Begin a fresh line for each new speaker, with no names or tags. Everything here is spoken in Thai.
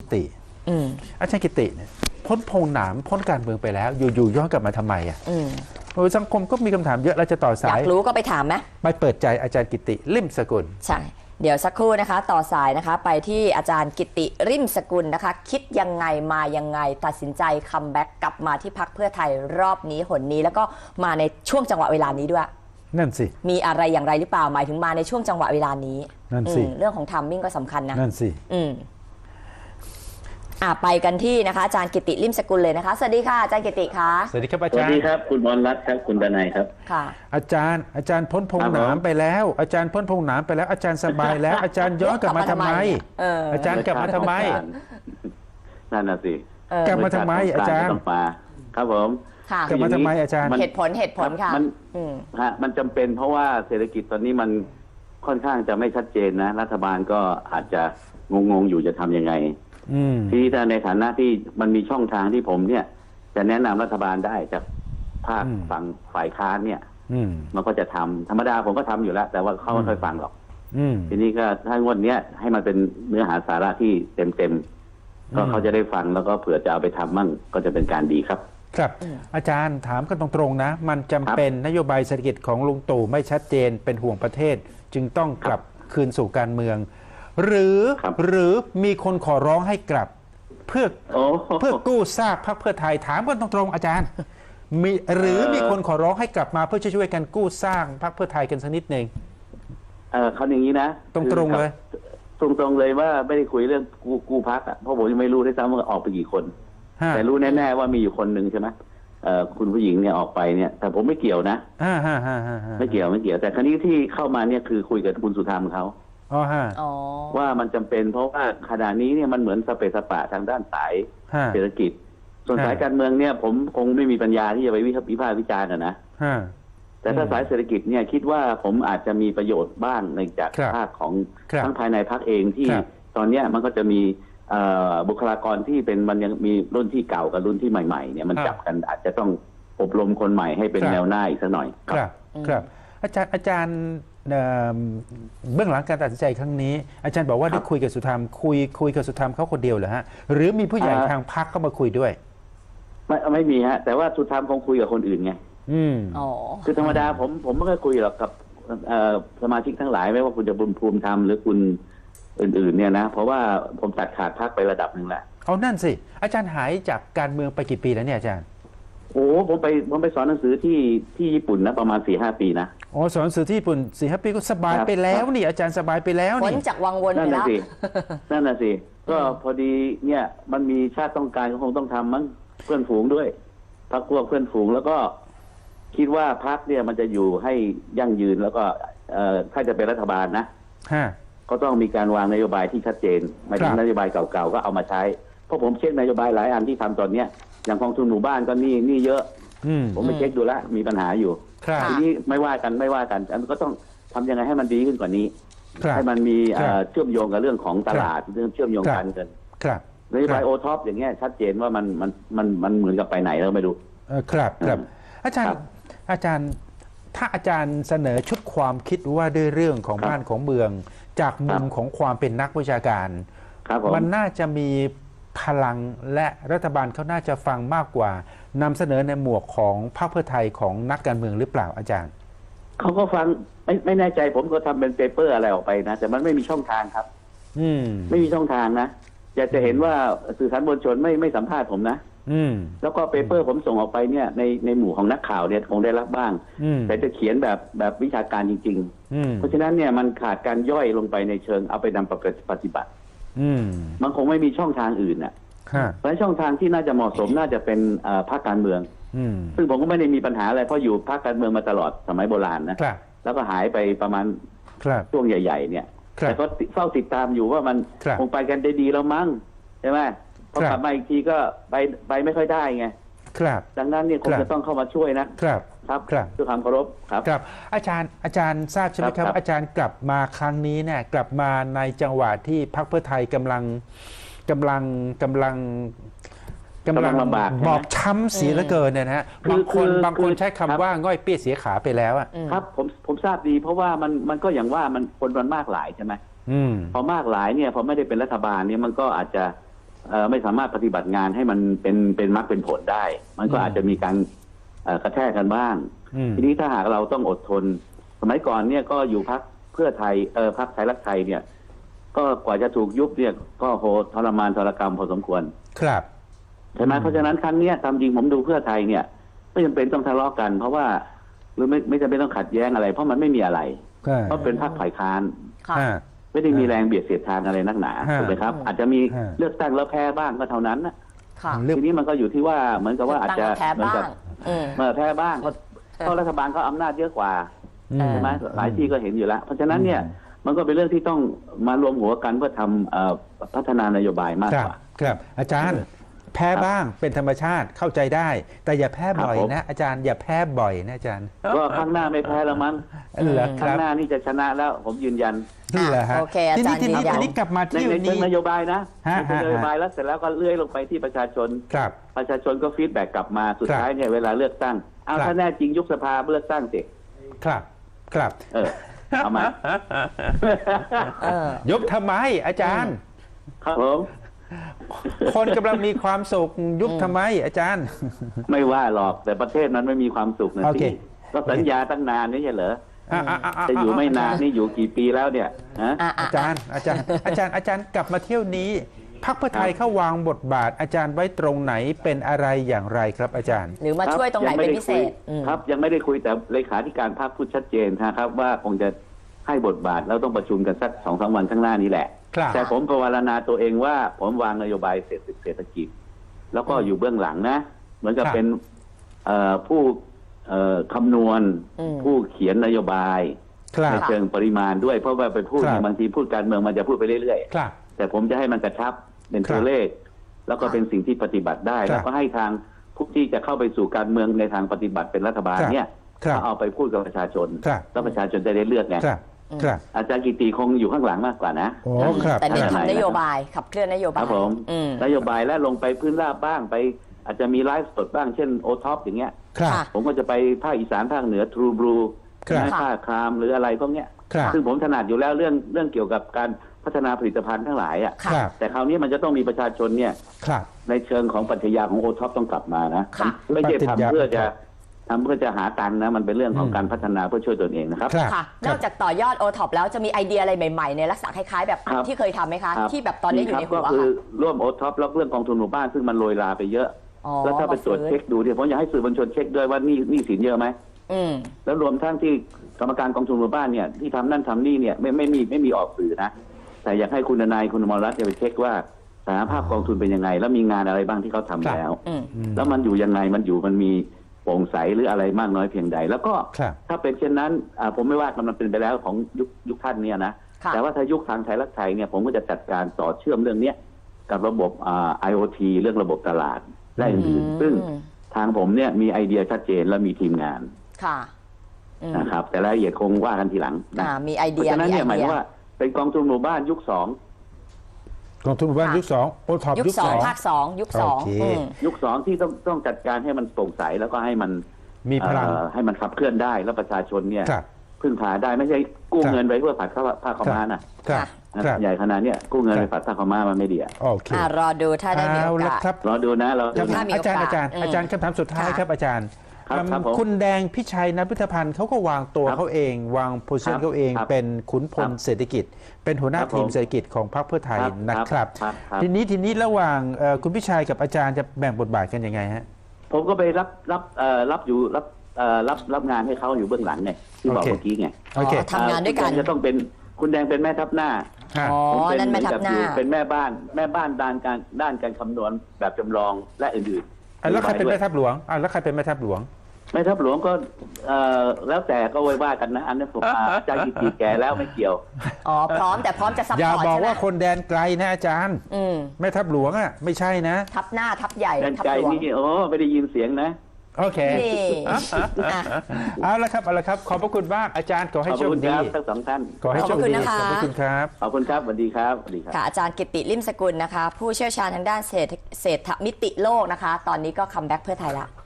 ติอาจารย์กิติเนี่ยพ้นพงหนามพ้นการเมืองไปแล้วอยู่ย้อนกลับมาทำไมอ่ะสังคมก็มีคำถามเยอะเราจะต่อสาย
อยากรู้ก็ไปถามไหม
ไปเปิดใจอาจารย์กิติริมสกุล
ใช่เดี๋ยวสักครู่นะคะต่อสายนะคะไปที่อาจารย์กิติริมสกุลนะคะคิดยังไงมายังไงตัดสินใจคัมแบ็กกลับมาที่พรรคเพื่อไทยรอบนี้หนนี้แล้วก็มาในช่วงจังหวะเวลานี้ด้วย
นั่นสิ
มีอะไรอย่างไรหรือเปล่าหมายถึงมาในช่วงจังหวะเวลานี้
นั่นสิ
เรื่องของทัมมิ่งก็สำคัญนะ
นั่นสิ
ไปกันที่นะคะอาจารย์กิติริมสกุลเลยนะคะสวัสดีค่ะอาจารย์กิติค่ะ
สวัสดีครับอาจารย์
สวัสดีครับคุณบอลรัตน์ครับคุณดนัยครับ
ค่ะ
อาจารย์พ้นพงหนามไปแล้วอาจารย์พ้นพงหนามไปแล้วอาจารย์สบายแล้วอาจารย์ย้อนกลับมาทำไมอาจารย์กลับมาทำไม
นั่นน่ะสิ
กลับมาทำไมอาจารย์
ครับผม
กลับมาทำไมอาจารย์
เหตุผลค่ะ
มันจำเป็นเพราะว่าเศรษฐกิจตอนนี้มันค่อนข้างจะไม่ชัดเจนนะรัฐบาลก็อาจจะงงอยู่จะทำยังไงที่ถ้าในฐานะที่มันมีช่องทางที่ผมเนี่ยจะแนะนำรัฐบาลได้จากภาคฝั่งฝ่ายค้านเนี่ยมันก็จะทำธรรมดาผมก็ทำอยู่แล้วแต่ว่าเขาไม่ค่อยฟังหรอกทีนี้ก็ถ้างวดเนี้ยให้มันเป็นเนื้อหาสาระที่เต็มก็เขาจะได้ฟังแล้วก็เผื่อจะเอาไปทำมั่งก็จะเป็นการดีครับ
ครับอาจารย์ถามกันตรงๆนะมันจำเป็นนโยบายเศรษฐกิจของลุงตู่ไม่ชัดเจนเป็นห่วงประเทศจึงต้องกลับคืนสู่การเมืองหรือมีคนขอร้องให้กลับเพื่อกู้ซากพรรคเพื่อไทยถามกันตรงๆอาจารย์มีคนขอร้องให้กลับมาเพื่อช่วยกันกู้สร้างพรรคเพื่อไทยกันสักนิดหนึ่ง
เขาอย่างนี้นะ
ตรงๆเลย
ตรงๆเลยว่าไม่ได้คุยเรื่องกู้พรรคเพราะผมยังไม่รู้ด้วยซ้ำว่าออกไปกี่คนแต่รู้แน่ๆว่ามีอยู่คนหนึ่งใช่ไหมคุณผู้หญิงเนี่ยออกไปเนี่ยแต่ผมไม่เกี่ยวนะไม่เกี่ยวแต่ครั้นี้ที่เข้ามาเนี่ยคือคุยกับคุณสุธรรมเขาว่ามันจำเป็นเพราะว่าขณะนี้เนี่ยมันเหมือนสเปซสปะทางด้านสายเศรษฐกิจส่วนสายการเมืองเนี่ยผมคงไม่มีปัญญาที่จะไปวิพากษ์วิจารณ์นะแต่ถ้าสายเศรษฐกิจเนี่ยคิดว่าผมอาจจะมีประโยชน์บ้างในจากภาคของทั้งภายในพรรคเองที่ตอนนี้มันก็จะมีบุคลากรที่เป็นมันยังมีรุ่นที่เก่ากับรุ่นที่ใหม่ๆเนี่ยมันจับกันอาจจะต้องอบรมคนใหม่ให้เป็นแนวหน้าอีกสักหน่อย
ครับอาจารย์เบื้องหลังการตัดสินใจครั้งนี้อาจารย์บอกว่าได้คุยกับสุธรรมคุยกับสุธรรมเขาคนเดียวเหรอฮะหรือมีผู้ใหญ่ทางพรรคเข้ามาคุยด้วย
ไม่มีฮะแต่ว่าสุธรรมคงคุยกับคนอื่นไงคือธรรมดาผมไม่เคยคุยหรอกกับสมาชิกทั้งหลายไม่ว่าคุณจะบุญภูมิธรรมหรือคุณอื่นๆเนี่ยนะเพราะว่าผมตัดขาดพรรคไประดับหนึ่งแหละ
เอานั่นสิอาจารย์หายจากการเมืองไปกี่ปีแล้วเนี่ยอาจารย์
ผมไปสอนหนังสือที่ญี่ปุ่นนะประมาณ 4-5 ปีนะ
สอนหนังสือที่ญี่ปุ่น 4-5 ปีก็สบายไปแล้วนี่อาจารย์สบายไปแล้วนี่
พ้นจากวังวนไปแล้ว
นั่นน่ะสิก็พอดีเนี่ยมันมีชาติต้องการก็คงต้องทำมั้งเพื่อนฝูงด้วยพรรคพวกเพื่อนฝูงแล้วก็คิดว่าพรรคเนี่ยมันจะอยู่ให้ยั่งยืนแล้วก็ถ้าจะเป็นรัฐบาลนะก็ต้องมีการวางนโยบายที่ชัดเจนไม่ใช่นโยบายเก่าๆก็เอามาใช้เพราะผมเช็คนโยบายหลายอันที่ทำตอนเนี้ยอย่างกองทุนหมู่บ้านก็นี่เยอะผมไปเช็คดูแล้วมีปัญหาอยู่ทีนี้ไม่ว่ากันอันก็ต้องทำยังไงให้มันดีขึ้นกว่านี้ให้มันมีเชื่อมโยงกับเรื่องของตลาดเรื่องเชื่อมโยงการเงินนโยบายโอท็อปอย่างเงี้ยชัดเจนว่ามันเหมือนกับไปไหนแล้วไม่รู้
ครับอาจารย์ถ้าอาจารย์เสนอชุดความคิดว่าด้วยเรื่องของบ้านของเมืองจากมุมของความเป็นนักวิชาการมันน่าจะมีพลังและรัฐบาลเขาน่าจะฟังมากกว่านำเสนอในหมวกของพรรคเพื่อไทยของนักการเมืองหรือเปล่าอาจารย์
เขาก็ฟังไม่แน่ใจผมก็ทำเป็นเปเปอร์อะไรออกไปนะแต่มันไม่มีช่องทางครับไม่มีช่องทางนะอยากจะเห็นว่าสื่อสารมวลชนไม่สัมภาษณ์ผมนะแล้วก็เปเปอร์ผมส่งออกไปเนี่ยในหมู่ของนักข่าวเนี่ยคงได้รับบ้างแต่จะเขียนแบบวิชาการจริงๆเพราะฉะนั้นเนี่ยมันขาดการย่อยลงไปในเชิงเอาไปนำปฏิบัติมันคงไม่มีช่องทางอื่นน่ะเพราะช่องทางที่น่าจะเหมาะสมน่าจะเป็นพรรคการเมืองซึ่งผมก็ไม่ได้มีปัญหาอะไรเพราะอยู่พรรคการเมืองมาตลอดสมัยโบราณนะแล้วก็หายไปประมาณช่วงใหญ่ๆเนี่ยแต่ก็เฝ้าติดตามอยู่ว่ามันคงไปกันได้ดีแล้วมั้งใช่ไหมพอกลับมาอีกทีก็ไปไม่ค่อยได้ไงดังนั้นเนี่ยคงจะต้องเข้ามาช่วยนะครับด้วยความเคารพ
ครับอาจารย์ทราบใช่ไหมครับอาจารย์กลับมาครั้งนี้เนี่ยกลับมาในจังหวะที่พรรคเพื่อไทยกำลัง
ลำบาก
บอบช้ำเสียเหลือเกินเนี่ยนะฮะบางคนใช้คำว่าง่อยเปี้ยเสียขาไปแล้วอ่ะ
ครับผมทราบดีเพราะว่ามันก็อย่างว่ามันคนมันมากหลายใช่ไหมพอมากหลายเนี่ยพอไม่ได้เป็นรัฐบาลเนี่ยมันก็อาจจะไม่สามารถปฏิบัติงานให้มันเป็นมรรคเป็นผลได้ มันก็อาจจะมีการกระแทกกันบ้าง ทีนี้ถ้าหากเราต้องอดทนสมัยก่อนเนี่ยก็อยู่พรรคเพื่อไทยพรรคไทยรักไทยเนี่ยก็กว่าจะถูกยุบเนี่ยก็โหทรมานทรกรรมพอสมควร
ครับ
ใช่ไหมเพราะฉะนั้นครั้งนี้ตามจริงผมดูเพื่อไทยเนี่ยไม่จำเป็นต้องทะเลาะกันเพราะว่าหรือไม่จำเป็นต้องขัดแย้งอะไรเพราะมันไม่มีอะไรเพราะเป็นพรรคฝ่ายค้านไม่ได้มีแรงเบียดเสียดทานอะไรนักหนาถูกไหมครับอาจจะมีเลือกตั้งแล้วแพ้บ้างก็เท่านั้นนะทีนี้มันก็อยู่ที่ว่าเหมือนกับว่าอาจจะเหมือนกับแพ้บ้างเพราะรัฐบาลเขาอำนาจเยอะกว่าใช่ไหมหลายที่ก็เห็นอยู่แล้วเพราะฉะนั้นเนี่ยมันก็เป็นเรื่องที่ต้องมารวมหัวกันเพื่อทำพัฒนานโยบายมากกว่า
ครับอาจารย์แพ้บ้างเป็นธรรมชาติเข้าใจได้แต่อย่าแพ้บ่อยนะอาจารย์อย่าแพ้บ่อยนะอาจารย์
ก็ข้างหน้าไม่แพ้แล้วมั้งข้างหน้านี่จะชนะแล้วผมยืนยัน
นี่แหละฮะ
ที
นี้กลับมาที่
ในนโยบายนะนโยบายแล้วเสร็จแล้วก็เลื่อยลงไปที่ประชาชนประชาชนก็ฟีดแบ็กกลับมาสุดท้ายเนี่ยเวลาเลือกตั้งเอาถ้าแน่จริงยุบสภาเลือกตั้งสิ
ครับ
เอามา
ยุบทำไมอาจารย์
ครับผม
คนกำลังมีความสุขยุบทำไมอาจารย์
ไม่ว่าหรอกแต่ประเทศนั้นไม่มีความสุขนะสิก็สัญญาตั้งนานนี่ใช่เหรอจะอยู่ไม่นานนี่อยู่กี่ปีแล้วเนี่ย
อาจารย์กลับมาเที่ยวนี้พรรคเพื่อไทยเข้าวางบทบาทอาจารย์ไว้ตรงไหนเป็นอะไรอย่างไรครับอาจารย์
หรือมาช่วยตรงไหนเป็นพิเศษ
ครับยังไม่ได้คุยแต่เลขาธิการพรรคพูดชัดเจนนะครับว่าคงจะให้บทบาทแล้วต้องประชุมกันสัก 2-3 วันข้างหน้านี้แหละแต่ผมภาวนาตัวเองว่าผมวางนโยบายเศรษฐกิจแล้วก็อยู่เบื้องหลังนะเหมือนกับเป็นผู้คำนวณผู้เขียนนโยบายในเชิงปริมาณด้วยเพราะว่าไปพูดบางทีพูดการเมืองมันจะพูดไปเรื่อยๆแต่ผมจะให้มันกระชับเป็นตัวเลขแล้วก็เป็นสิ่งที่ปฏิบัติได้แล้วก็ให้ทางผู้ที่จะเข้าไปสู่การเมืองในทางปฏิบัติเป็นรัฐบาลเนี่ยเอาไปพูดกับประชาชนแล้วประชาชนจะได้เลือกไงอาจารย์กิติคงอยู่ข้างหลังมากกว่านะ
แต่นี่ทำนโยบายขับเคลื่อนนโยบาย
ครับผมนโยบายและลงไปพื้นราบบ้างไปอาจจะมีไลฟ์สดบ้างเช่นโอท็อปอย่างเงี้ยผมก็จะไปภาคอีสานภาคเหนือทรูบลูภาคครามหรืออะไรพวกเนี้ยซึ่งผมถนัดอยู่แล้วเรื่องเกี่ยวกับการพัฒนาผลิตภัณฑ์ทั้งหลายอ่ะแต่คราวนี้มันจะต้องมีประชาชนเนี่ยในเชิงของปรัชญาของโอท็อปต้องกลับมานะไม่ใช่ทำเพื่อจะหาตังค์นะมันเป็นเรื่องของการพัฒนาเพื่อช่วยตนเองนะครับ
ค่ะนอกจากต่อยอดโอท็อปแล้วจะมีไอเดียอะไรใหม่ๆในลักษณะคล้ายๆแบบที่เคยทำไหมคะที่แบบตอนนี้อยู่ในหัว
ก็คือร่วมโอท็อปแล้วเรื่องกองทุนหมู่บ้านซึ่งมันโรยลาไปเยอะแล้วถ้าไปตรวจเช็คดูเนี่ยผมอยากให้สื่อมวลชนเช็คด้วยว่านี่สินเยอะไหมแล้วรวมทั้งที่กรรมการกองทุนหมู่บ้านเนี่ยที่ทำนั่นทำนี่เนี่ยไม่มีออกสื่อนะแต่อยากให้คุณนายคุณอมรรัตน์ไปเช็คว่าสถานภาพกองทุนเป็นยังไงแล้วมีงานอะไรบ้างที่เขาทำแล้วแล้วมันอยู่ยังไงมันมีโปร่งใสหรืออะไรมากน้อยเพียงใดแล้วก็ถ้าเป็นเช่นนั้นผมไม่ว่ามันเป็นไปแล้วของยุคท่านเนี่ยนะแต่ว่าถ้ายุคทางไทยรักไทยเนี่ยผมก็จะจัดการต่อเชื่อมเรื่องนี้กับระบบ IoT เรื่องระบบตลาดและอื่นๆซึ่งทางผมเนี่ยมีไอเดียชัดเจนและมีทีมงานนะครับแต่รายละเอียดคงว่ากันทีหลังนะ
มีไอเดีย
เพราะฉะนั้นเนี่ยหมายว่าเป็นกองทุนหมู่บ้านยุค2
กองทุนหมู่บ้านยุค2โอท็อป
ยุค2ภาค2ยุค2
ยุค2ที่ต้องจัดการให้มันโปร่งใสแล้วก็ให้มัน
มีพลัง
ให้มันขับเคลื่อนได้แล้วประชาชนเนี่ยพึ่งพาได้ไม่ใช่กู้เงินไว้เพื่อผัดผ้าขาวม้านะใหญ่ขนาดนี้กู้เงินไปผัดผ้าขาวม้ามันไม่ดี
โอเค
รอดูถ้าได้มีโอกาส
รอดูนะ
อาจารย์คำถามสุดท้ายครับอาจารย์คุณแดงพิชัยนัทพุทธพันธ์เขาก็วางตัวเขาเองวางโพสิชันเขาเองเป็นขุนพลเศรษฐกิจเป็นหัวหน้าทีมเศรษฐกิจของพรรคเพื่อไทยนะครับทีนี้ระหว่างคุณพิชัยกับอาจารย์จะแบ่งบทบาทกันยังไงฮะ
ผมก็ไปรับงานให้เขาอยู่เบื้องหลังไงที่บอกเมื่อกี้ไง
ทำงานด้วยกัน
จะต้องเป็นคุณแดงเป็นแม่ทัพหน้า
นั่นแม่ทัพหน้า
เป็นแม่บ้านด้านการคำนวณแบบจำลองและอื่นๆ
แล้วใครเป็นแม่ทัพหลวงแล้วใครเป็นแม่ทัพหลวง
แม่ทัพหลวงก็แล้วแต่ก็ไว้ว่ากันนะอันนั้นผมอาจารย์กิติแก่แล้วไม่เกี่ยว
พร้อมแต่พร้อมจะซัพพอร์ต
อย่าบอกว่าคนแดนไกลนะอาจารย์แม่ทัพหลวงไม่ใช่นะ
ทัพหน้าทัพใหญ่
แดนไกลนี่ไม่ได้ยินเสียงนะ
โอเคเอาละครับขอบพระคุณมากอาจารย์ขอให้โชคดี
ทั้งสองท่าน
ขอให้โชคดีขอบพระคุณครับ
ขอบคุณครับสวัสดีครับ
ค่ะอาจารย์กิติลิ่มสกุลนะคะผู้เชี่ยวชาญทางด้านเศรษฐมิติโลกนะคะตอนนี้ก็คัมแบ็กเพื่อไทยละ